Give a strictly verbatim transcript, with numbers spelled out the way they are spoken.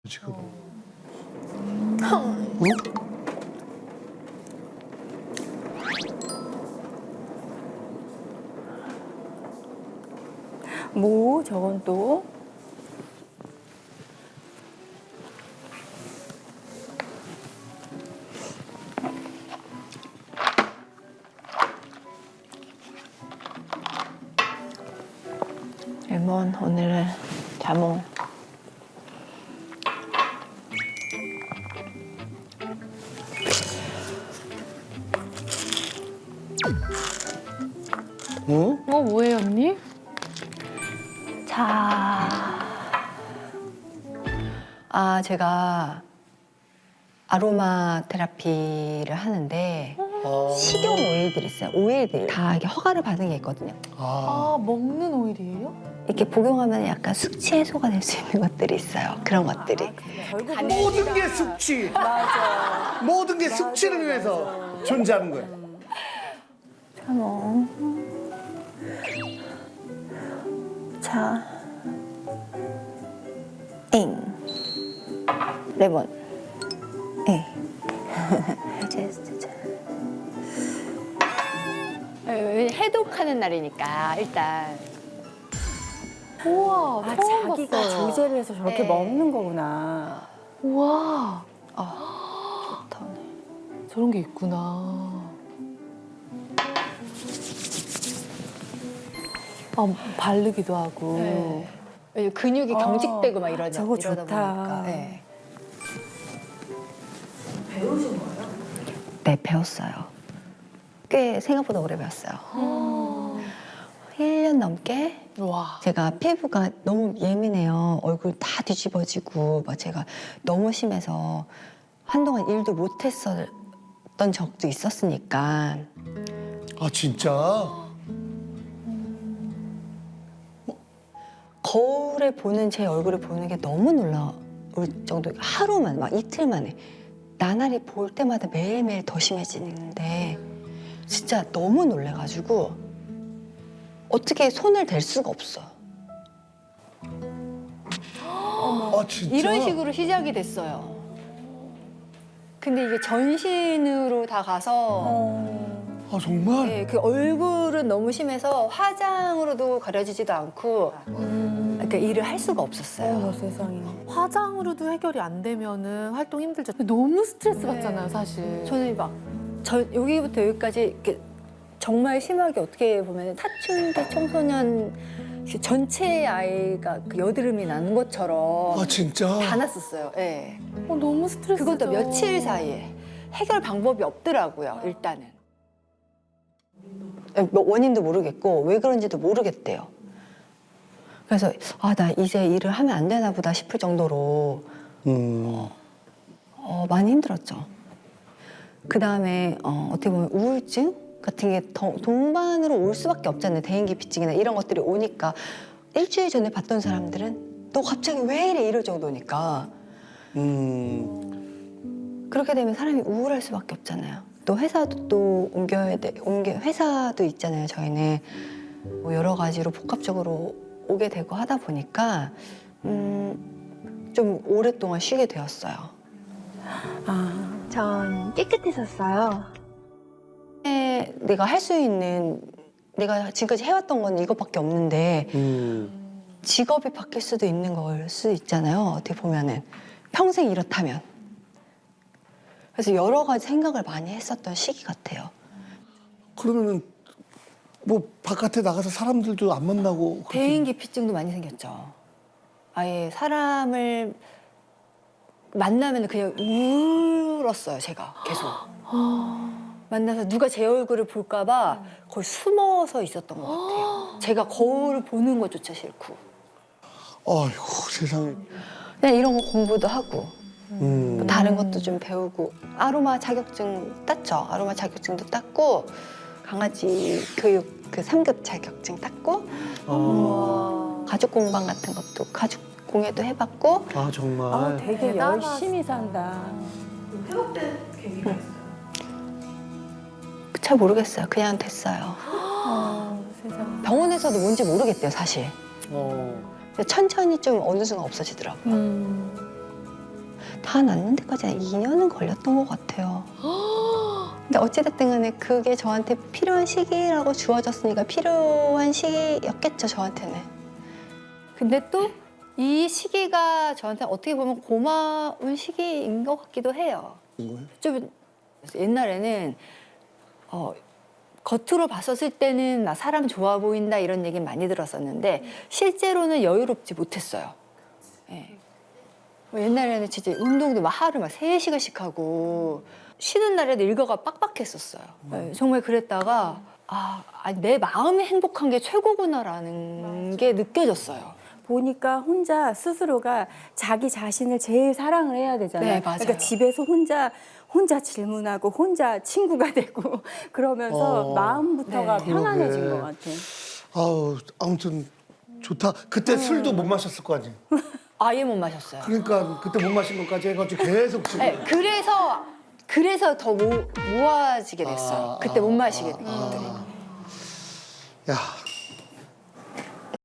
지금. 어? 뭐 저건 또? 레몬 오늘은 자몽. 어? 어, 뭐예요, 언니? 자, 아 제가 아로마 테라피를 하는데 아. 식용 오일들 있어요. 오일들 다 이게 허가를 받은 게 있거든요. 아. 아, 먹는 오일이에요? 이렇게 복용하면 약간 숙취 해소가 될 수 있는 것들이 있어요. 그런 것들이. 모든 게 숙취. 맞아. 모든 게 숙취를 위해서 존재하는 거예요. 자몽. 자, 잉, 레몬, 잉. 제스트. 해독하는 날이니까 일단 우와, 아, 처음 자기가 봤어요. 조제를 해서 저렇게 네. 먹는 거구나. 우와, 좋다, 오늘. 저런 게 있구나. 아, 바르기도 하고. 네. 왜냐면 근육이 어, 경직되고 막 이러다, 저거 이러다 좋다. 보니까. 네. 네, 배웠어요. 꽤 생각보다 오래 배웠어요. 일 년 넘게. 와. 제가 피부가 너무 예민해요. 얼굴 다 뒤집어지고 막 제가 너무 심해서 한동안 일도 못했었던 적도 있었으니까. 아 진짜? 거울에 보는 제 얼굴을 보는 게 너무 놀라울 정도. 하루만 막 이틀 만에 나날이 볼 때마다 매일매일 더 심해지는데 진짜 너무 놀래가지고 어떻게 손을 댈 수가 없어. 아 진짜? 이런 식으로 시작이 됐어요. 근데 이게 전신으로 다 가서 아 정말? 네, 그 얼굴은 너무 심해서 화장으로도 가려지지도 않고 그러니까 일을 할 수가 없었어요. 세상에. 화장으로도 해결이 안 되면은 활동 힘들죠. 너무 스트레스 네. 받잖아요, 사실. 저는 막 저 여기부터 여기까지 이렇게 정말 심하게 어떻게 보면 사춘기 청소년 그 전체 아이가 그 여드름이 나는 것처럼 아 진짜? 다 났었어요. 예. 어, 너무 스트레스죠. 그것도 며칠 사이에 해결 방법이 없더라고요. 일단은. 뭐 원인도 모르겠고 왜 그런지도 모르겠대요. 그래서 아, 나 이제 일을 하면 안 되나 보다 싶을 정도로 음. 어, 많이 힘들었죠. 그 다음에 어, 어떻게 보면 우울증 같은 게 더 동반으로 올 수밖에 없잖아요. 대인기피증이나 이런 것들이 오니까 일주일 전에 봤던 사람들은 너 갑자기 왜 이래 이럴 정도니까 음. 그렇게 되면 사람이 우울할 수밖에 없잖아요. 또 회사도 또 옮겨야 돼. 옮겨 회사도 있잖아요. 저희는 뭐 여러 가지로 복합적으로 오게 되고 하다 보니까 음, 좀 오랫동안 쉬게 되었어요. 전 깨끗했었어요. 에, 내가 할 수 있는 내가 지금까지 해왔던 건 이것밖에 없는데 음. 직업이 바뀔 수도 있는 걸 수 있잖아요. 어떻게 보면은 평생 이렇다면. 그래서 여러 가지 생각을 많이 했었던 시기 같아요. 그러면은 뭐 바깥에 나가서 사람들도 안 만나고 그렇게- 대인기피증도 많이 생겼죠. 아예 사람을 만나면 그냥 울었어요. 제가 계속. 만나서 누가 제 얼굴을 볼까봐 거의 숨어서 있었던 것 같아요. 제가 거울 보는 것조차 싫고. 아이고 세상에. 그냥 이런 거 공부도 하고 음. 뭐 다른 것도 좀 배우고 아로마 자격증 땄죠. 아로마 자격증도 땄고 강아지 교육 그 삼 급 자격증 땄고 아, 가죽 공방 같은 것도 가죽 공예도 해봤고 아 정말. 되게 대단하시다. 열심히 산다. 잘 모르겠어요. 그냥 됐어요. 병원에서도 뭔지 모르겠대요, 사실. 어. 근데 천천히 좀 어느 순간 없어지더라고요. 음. 다 낫는 데까지 한 이 년은 걸렸던 것 같아요. 근데 어찌됐든 간에 그게 저한테 필요한 시기라고 주어졌으니까 필요한 시기였겠죠, 저한테는. 근데 또 이 시기가 저한테 어떻게 보면 고마운 시기인 것 같기도 해요. 좀 옛날에는 어, 겉으로 봤었을 때는 나 사람 좋아 보인다 이런 얘기 많이 들었었는데 실제로는 여유롭지 못했어요. 예. 뭐 옛날에는 진짜 운동도 막 하루 막 세 시간씩 하고 쉬는 날에도 일과가 빡빡했었어요. 예, 정말 그랬다가 아, 아니, 내 마음이 행복한 게 최고구나라는 게 느껴졌어요. 보니까 혼자 스스로가 자기 자신을 제일 사랑을 해야 되잖아요. 네, 맞아요. 그러니까 집에서 혼자 혼자 질문하고 혼자 친구가 되고 그러면서 어. 마음부터가 네. 편안해진 그러게. 것 같아요. 아우 아무튼 좋다. 그때 술도 못 마셨을 거 아니에요. 아예 못 마셨어요. 그러니까 그때 못 마신 것까지 해가지고 계속 지금. 네, 그래서 그래서 더 모, 모아지게 됐어요. 아, 그때 못 아, 마시게 아, 된 것들이. 야